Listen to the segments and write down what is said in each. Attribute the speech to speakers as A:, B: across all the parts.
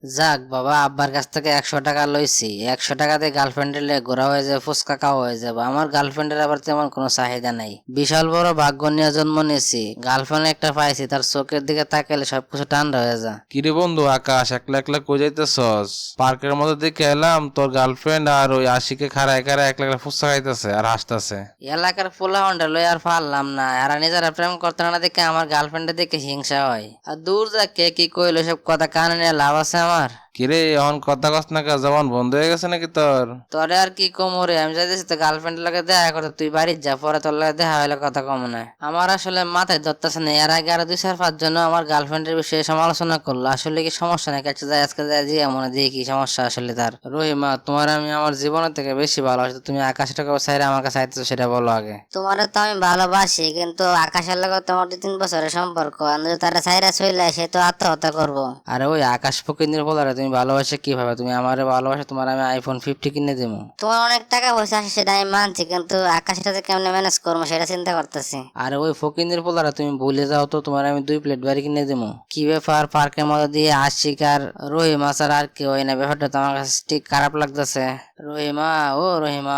A: যাক বাবা, আব্বার কাছ থেকে 100 টাকা লইছি। 100 টাকাতে গার্লফ্রেন্ডের লে ঘোরা হয়ে যাবে, ফুচকা খাওয়া হয়ে যাবে। আমার গার্লফ্রেন্ডের আবার তেমন কোনো চাহিদা নাই। বিশাল বড় ভাগ্য নিয়ে জন্ম নিয়েছি, গার্লফ্রেন্ড একটা পাইছি, তার চোখের দিকে তাকালে সবকিছু ঠান্ডা হয়ে যায়।
B: কিরে বন্ধু আকাশ, একলা একলা কই যাইতেছস? পার্কের মধ্যে দেখে এলাম তোর গার্লফ্রেন্ড আর ওই আশিকে খাড়ায় খাড়ায় একলা একলা ফুচকা খাইতেছে আর হাসতেছে।
A: এলাকার পোলা হন্ডা লই আর পারলাম না, এরা নিজেরা প্রেম করতে না দেখে আমার গার্লফ্রেন্ডের দিকে হিংসা হয়। আর দূর যা, কে কি কইলো সব কথা কানে নিয়ে লাভ আছে আমার?
B: কিরে এখন কথা কস না কা, জবান বন্ধ হয়ে গেছে নাকি তোর?
A: তোরে আর কি কম রে, আমি চাইতেছি তো গার্লফ্রেন্ডের লগে দেখা করতে, তুই বাড়ির যা, পরে তোর লগে দেখা হইলে কথা কম না। আমার আসলে মাথায় ধরতেছে না, এর আগে আরো 2-4-5 জন আমার গার্লফ্রেন্ডের বিষয়ে সমালোচনা করলো। আসলে কি সমস্যা নাকি? আচ্ছা যাই, আজকে যাই জিয়া মনে দিয়ে কি সমস্যা আসলে তার। রহিমা, তোমার আমি আমার জীবনের থেকে বেশি ভালোবাসি, তুমি আকাশটাকে চাইলে আমার কাছে আইতেছো, সেটা বলো আগে।
C: তোমারে তো আমি ভালোবাসি, কিন্তু আকাশের লগে তোমার 2-3 বছরের সম্পর্ক, আমি যদি তারা সাইরা চলে সে তো আত্মহত্যা করবো।
A: আরে ওই আকাশ ফকিন্দির বলারে তুমি ভালোবাসে কিভাবে? তুমি আমারে ভালোবাসে, তোমার আমি iPhone 50 কিনে দেবো।
C: তোমার অনেক টাকা পয়সা আছে সেটা আমি মানছি, কিন্তু আকাশটা যে কেমনে ম্যানেজ করবো সেটা চিন্তা করতেছি।
A: আরে ওই ফকিন্দির পোলারা তুমি ভুলে যাও তো, তোমার আমি 2 প্লেট বাড়ি কিনে দেবো। কি ব্যাপার, পার্কের মধ্যে দিয়ে আশিক আর রহিমা ছাড়া আর কেউ হয় না? ব্যাপারটা তো আমার কাছে ঠিক খারাপ লাগতেছে। রহিমা, ও রহিমা।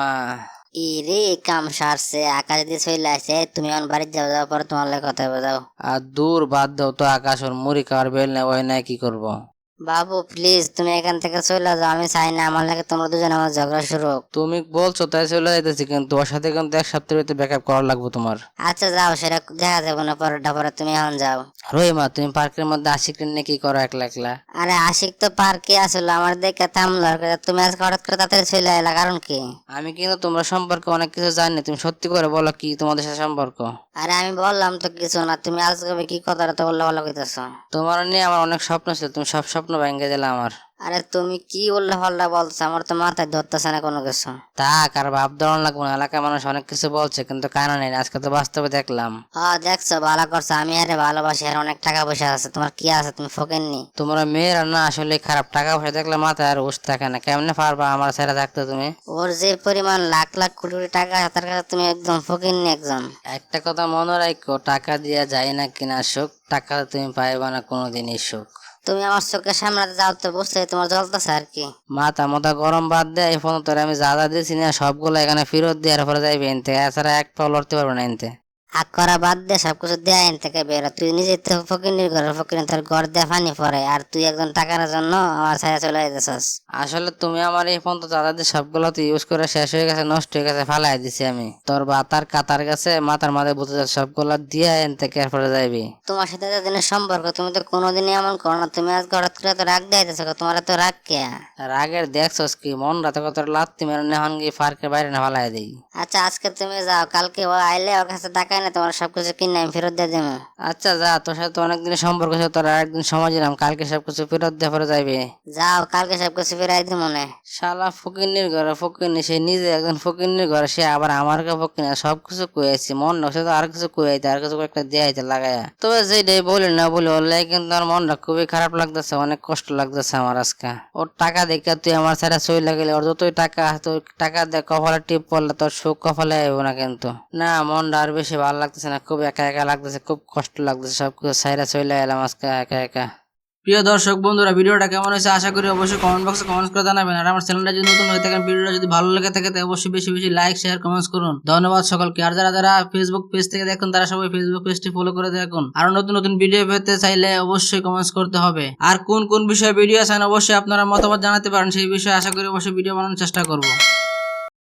C: রে কাম সারছে, আকাশ দিয়ে চলে আসে, তুমি আমার বাড়ি যাও, যাওয়ার পরে তোমার লাগে কথা বোঝাও।
A: আর দূর বাদ দাও তো আকাশ, ওর মুড়ি খাওয়ার বেল নেই, ওই নাই কি করবো?
C: বাবু প্লিজ তুমি এখান থেকে চলে যাও, আমি চাই না আমার লাগে তোমরা দুজন আমার ঝগড়া শুরু হোক।
A: তুমি বলছো তাই চলে যাইতেছি, কিন্তু ওর সাথে কিন্তু 1 সপ্তাহের ভিতরে ব্যাকআপ করা লাগবে তোমার।
C: আচ্ছা যাও, সেটা দেখা যাবে না, পরেরটা পরে তুমি এখন যাও।
A: রহিমা, তুমি পার্কের মধ্যে আশিক নিয়ে কি করো একলা একলা?
C: আরে আশিক তো পার্কে আসলো, আমার দেখে থামলো, আর তুমি আজকে হঠাৎ করে তাড়াতাড়ি চলে এলা, কারণ কি?
A: আমি কিন্তু তোমরা সম্পর্কে অনেক কিছু জানি, তুমি সত্যি করে বলো কি তোমাদের সাথে সম্পর্ক?
C: আরে আমি বললাম তো কিছু না, তুমি আজকে কি কথাটা তো বললে ভালো কইতেছ।
A: তোমার নিয়ে আমার অনেক স্বপ্ন ছিল, তুমি সব স্বপ্ন ভেঙে দিলে আমার।
C: আরে তুমি কি উল্টা পাল্টা বলছো, আমার তো মাথায় ধরতেছে না কোনো কিছু।
A: থাক, আর ভাব ধরন লাগবো না। এলাকার মানুষ অনেক কিছু বলছে, কিন্তু কানা নেই, আজকে তো বাস্তবে দেখলাম।
C: দেখছো, ভালো করছো, আমি আরে ভালোবাসি, আর অনেক টাকা পয়সা আছে, তোমার কি আছে, তুমি ফোকেননি।
A: তোমরা মেয়েরা না আসলে খারাপ, টাকা পয়সা দেখলে মাথায় আর হুশ থাকে না। কেমনে পারবা আমার ছেড়ে থাকতে তুমি?
C: ওর যে পরিমাণ লাখ লাখ কোটি কোটি টাকা আছে তার কাছে তুমি একদম ফোকেননি একজন।
A: একটা কথা মনে রাখো, টাকা দিয়া যায় না কিনা সুখ, টাকা তুমি পাইবা না কোনোদিনই সুখ।
C: তুমি আমার চোখের সামনে যাও তো, বুঝতে তোমার জ্বলতেছে আর কি।
A: মাথা মাথা গরম বাদ দেয়, এই ফোন তোর আমি যা যা দিয়েছি না সবগুলো এখানে ফেরত দেওয়ার পরে যাইবে এনতে, এছাড়া এক পাও লড়তে পারবে না এনতে।
C: হাক করা বাদ দে, সবকিছু দেয় এন থেকে বেরো, তুই নিজে তো ফকিনির ঘর, ফকিনি তোর ঘর দিয়ে পানি পড়ে, আর তুই একজন টাকার জন্য আমার ছায়া চলে যেতেছস।
A: আসলে তুমি আমার এই ফোন তো দাদা দিয়ে সবগুলো তো ইউজ করে শেষ হয়ে গেছে, নষ্ট হয়ে গেছে, ফালাই দিছি আমি। তোর বাতার কাতার গেছে, মাথার মাথায় বুঝতে যাচ্ছে, সবগুলো দিয়ে এন থেকে এরপরে যাইবি।
C: তোমার সাথে দিনের সম্পর্ক, তুমি তো কোনোদিনই এমন করো না, তুমি আজ হঠাৎ করে তো রাগ দেখাইতেছো, তোমার তো রাগ কে?
A: রাগের দেখছস কি, মন রাতে কত লাত্তি মেরে নেহন গিয়ে পার্কের বাইরে না ফালাই দিই।
C: আচ্ছা আজকে তুমি যাও, কালকে ও আইলে ওর কাছে টাকা না, তোমার সবকিছু কিনে আমি ফেরত দিয়ে দেবো।
A: আচ্ছা যা, তোর সাথে তো অনেকদিন সম্পর্ক ছিল, তোর আরেকদিন সময় দিলাম, কালকে সবকিছু ফেরত দিয়ে পরে যাইবে।
C: যাও, কালকে সবকিছু ফিরাই দিব মনে।
A: শালা ফকিন্নির ঘরে ফকিন্নি, সে নিজে একজন ফকিন্নির ঘরে, সে আবার আমার ফকিনি। সবকিছু কুয়েছি, মন নকশে তো আর কিছু কুয়াইতে, আর কিছু একটা দেয়াইতে লাগাইয়া। তবে যেটাই বলি না বলি, ওর কিন্তু আমার মনটা খুবই খারাপ লাগতেছে, অনেক কষ্ট লাগতেছে আমার আজকে। ওর টাকা দেখে তুই আমার ছাড়া সই লাগলে, ওর যতই টাকা আছে, ওই টাকা দিয়ে কপালে টিপ পড়লে তোর সুখ কপালে আইব না কিন্তু। না, মনটা আর বেশি ভালো লাগতেছে না, খুব একা একা লাগতেছে, খুব কষ্ট লাগতেছে, সবকিছু ছাইরা চলে এলাম আজকে একা একা। প্রিয় দর্শক বন্ধুরা, ভিডিওটা কেমন হয়েছে আশা করি অবশ্যই কমেন্ট বক্সে কমেন্ট করে জানাবেন। আর আমার চ্যানেলটা যদি নতুন হয়ে থাকেন, ভিডিওটা যদি ভালো লেগে থাকে তাহলে অবশ্যই বেশি বেশি লাইক শেয়ার কমেন্টস করুন। ধন্যবাদ সকলকে। আর যারা যারা ফেসবুক পেজ থেকে দেখুন, তারা সবাই ফেসবুক পেজটি ফলো করে দেখুন। আর নতুন নতুন ভিডিও পেতে চাইলে অবশ্যই কমেন্টস করতে হবে। আর কোন কোন বিষয়ে ভিডিও চান অবশ্যই আপনারা মতামত জানাতে পারেন, সেই বিষয়ে আশা করি অবশ্যই ভিডিও বানানোর চেষ্টা করব।